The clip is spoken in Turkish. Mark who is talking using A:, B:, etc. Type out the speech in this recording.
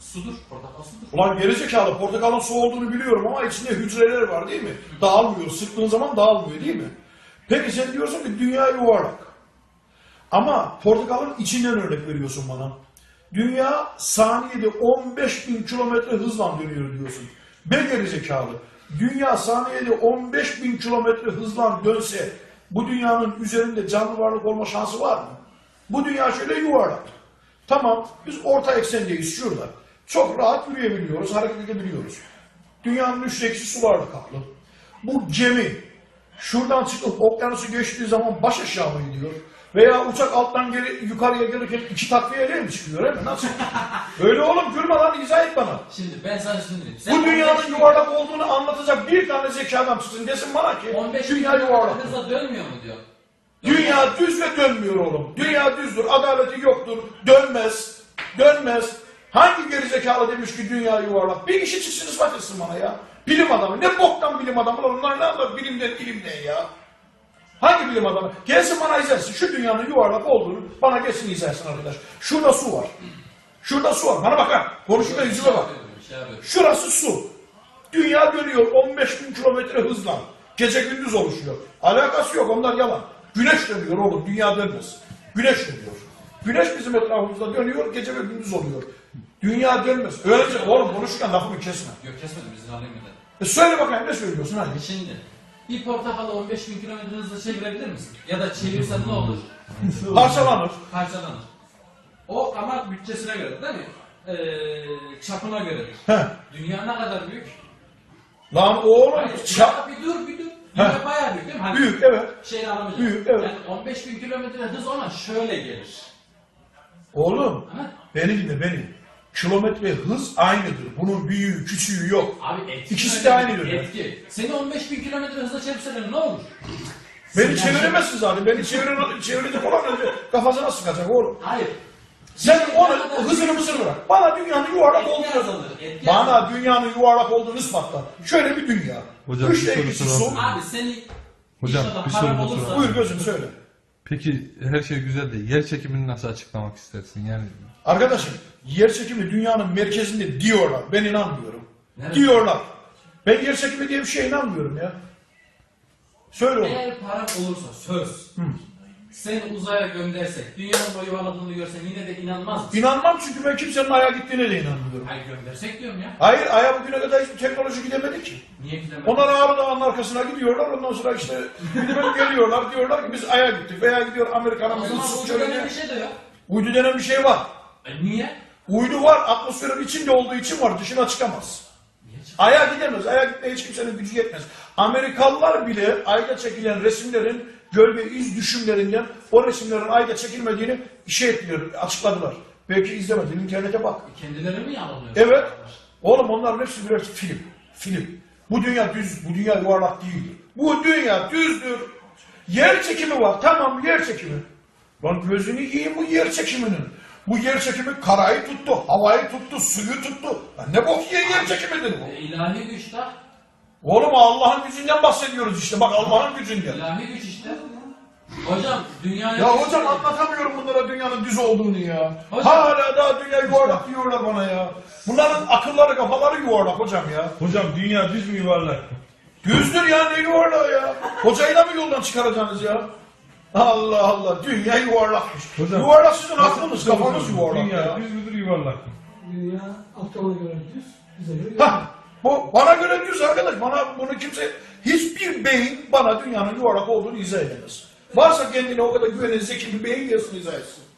A: Sudur, portakal sudur.
B: Ulan gerizekalı, portakalın su olduğunu biliyorum ama içinde hücreler var değil mi? Dağılmıyor, sıktığın zaman dağılmıyor değil mi? Peki sen diyorsun ki dünya yuvarlak. Ama portakalın içinden örnek veriyorsun bana. Dünya saniyede 15.000 kilometre hızla dönüyor diyorsun. Ben gerizekalı. Dünya saniyede 15.000 kilometre hızla dönse bu dünyanın üzerinde canlı varlık olma şansı var mı? Bu dünya şöyle yuvarlak. Tamam, biz orta eksendeyiz şurada. Çok rahat yürüyebiliyoruz, hareket edebiliyoruz. Dünyanın üçte ikisi sularla kaplı. Bu gemi şuradan çıkıp okyanusu geçtiği zaman baş aşağı mı gidiyor? Veya uçak alttan yukarıya gelirken iki takviyeyle mi çıkıyor? Öyle mi? Nasıl? Öyle oğlum, gülme lan, izah et bana.
A: Şimdi ben sana şunu diyeyim.
B: Bu dünyanın yuvarlak olduğunu anlatacak bir tane zeki adam çıksın desin bana ki
A: 15
B: dünya yuvarlak.
A: hızla dönmüyor mu diyor.
B: Dünya düz ve dönmüyor oğlum. Dünya düzdür, adaleti yoktur, dönmez, dönmez. Hangi gerizekalı demiş ki dünya yuvarlak? Bir kişi çıksın ispat etsin bana ya. Bilim adamı, ne boktan bilim adamı, onlar ne anlar bilimden ilimden ya. Hangi bilim adamı? Gelsin bana izlersin, şu dünyanın yuvarlak olduğunu bana gelsin izlersin arkadaş. Şurada su var. Şurada su var, bana bak ha. Konuşurken yüzüme bak. Şurası su. Dünya dönüyor 15.000 kilometre hızla. Gece gündüz oluşuyor. Alakası yok, onlar yalan. Güneş dönüyor oğlum, dünya dönmez. Güneş dönüyor. Güneş bizim etrafımızda dönüyor, gece ve gündüz oluyor. Dünya dönmez. Öylece oğlum konuşurken lafımı kesme.
A: Yok kesmedim, izin alayım bir de.
B: Söyle bakayım, ne söylüyorsun hadi.
A: Şimdi bir portakalı 15.000 kilometre hızla çevirebilir misin? Ya da çevirsen ne olur?
B: Parçalanır.
A: Parçalanır. O ama bütçesine göre değil mi? Çapına göredir.
B: Heh.
A: Dünya ne kadar büyük?
B: Lan oğlum,
A: Hayır, bir dur. Dünya bayağı büyük değil mi? Hani
B: büyük evet.
A: Şeyini alamayacağım.
B: Büyük, evet.
A: Yani 15.000 kilometre hız ona şöyle gelir.
B: Oğlum,
A: Ha?
B: beni dinle beni. Kilometre hız aynıdır. Bunun büyüğü, küçüğü yok.
A: Abi etki.
B: İkisi de aynı dönem.
A: Etki. Seni 15.000 kilometre hızla çevirseler ne olur?
B: Beni çeviremezsin zaten. Beni çevirecek olan önce kafasına sıkacak oğlum.
A: Hayır.
B: Sen onun hızını mısır bırak. Bana dünyanın yuvarlak
A: Etki
B: olduğunu
A: azalır. Etki
B: Bana
A: azalır.
B: dünyanın yuvarlak olduğunu ispatla. Şöyle bir dünya.
C: Hocam,
B: Üçte
C: bir soru
B: ikisi su.
C: soralım.
A: Abi seni
C: Hocam,
A: inşallah
C: bir
A: param
C: soru da
A: olursa.
C: soralım.
B: Buyur gözüm söyle.
C: Peki her şey güzel de yer çekimini nasıl açıklamak istersin? Yani
B: Arkadaşım, yer çekimi dünyanın merkezinde diyorlar. Ben inanmıyorum.
A: Nerede?
B: Diyorlar. Ben yer çekimi diye bir şeye inanmıyorum ya. Söyle oğlum.
A: Eğer param olursa söz. Seni uzaya göndersek, dünyanın boyu yuvarladığını görsen yine de inanmaz mısın?
B: İnanmam çünkü ben kimsenin Ay'a gittiğine de inanmıyorum.
A: Hayır göndersek diyorum ya.
B: Hayır, Ay'a bugüne kadar hiçbir teknoloji gidemedi ki.
A: Niye gidemez?
B: Onlar Ağrı Dağı'nın arkasına gidiyorlar, ondan sonra işte gidip geliyorlar, diyorlar ki biz Ay'a gittik veya gidiyor Amerika'nın
A: O zaman
B: ıssız
A: uydu denen
B: çölüne.
A: bir şey de yok.
B: Uydu denen bir şey var.
A: Niye?
B: Uydu var, atmosferin içinde olduğu için var, dışına çıkamaz.
A: Niye çıkıyor?
B: Ay'a gidemez, Ay'a gitmeye hiç kimsenin gücü yetmez. Amerikalılar bile Ay'da çekilen resimlerin gölge iz düşümlerinden o resimlerin Ay'da çekilmediğini açıkladılar. Belki izlemedin, internete bak.
A: Kendileri mi yalanlıyor?
B: Evet. Oğlum onların hepsi birer film. Film. Bu dünya düz, bu dünya yuvarlak değildir. Bu dünya düzdür. Yer çekimi var. Tamam, yer çekimi. Lan gözünü yiyeyim bu yer çekiminin. Bu yer çekimi karayı tuttu, havayı tuttu, suyu tuttu. Lan ne bok yer çekimidir bu?
A: İlahi güç de.
B: Oğlum Allah'ın gücünden bahsediyoruz işte. Bak Allah'ın gücünden.
A: İlahi güç işte. Hocam dünyaya...
B: Ya hocam anlatamıyorum bunlara dünyanın düz olduğunu ya.
A: Hocam-
B: Hala daha dünya yuvarlak diyorlar bana ya. Bunların akılları kafaları yuvarlak hocam ya.
D: Hocam dünya düz mü yuvarlak?
B: Düzdür ya, ne yuvarlağı ya. Hocayı da mı yoldan çıkaracaksınız ya? Allah Allah, dünya yuvarlakmış.
D: Hocam-
B: Yuvarlak sizin aklınız, kafanız yuvarlak
D: Dünya
B: ya.
D: düz müdür yuvarlak mı?
E: Dünya Aptal'a göre düz, bize göre
B: Hah, bu bana göre düz arkadaş. Bana bunu kimse, hiçbir beyin bana dünyanın yuvarlak olduğunu izah edemez. Varsa kendine o kadar güvenen zeki bir beyin gelsin izah etsin.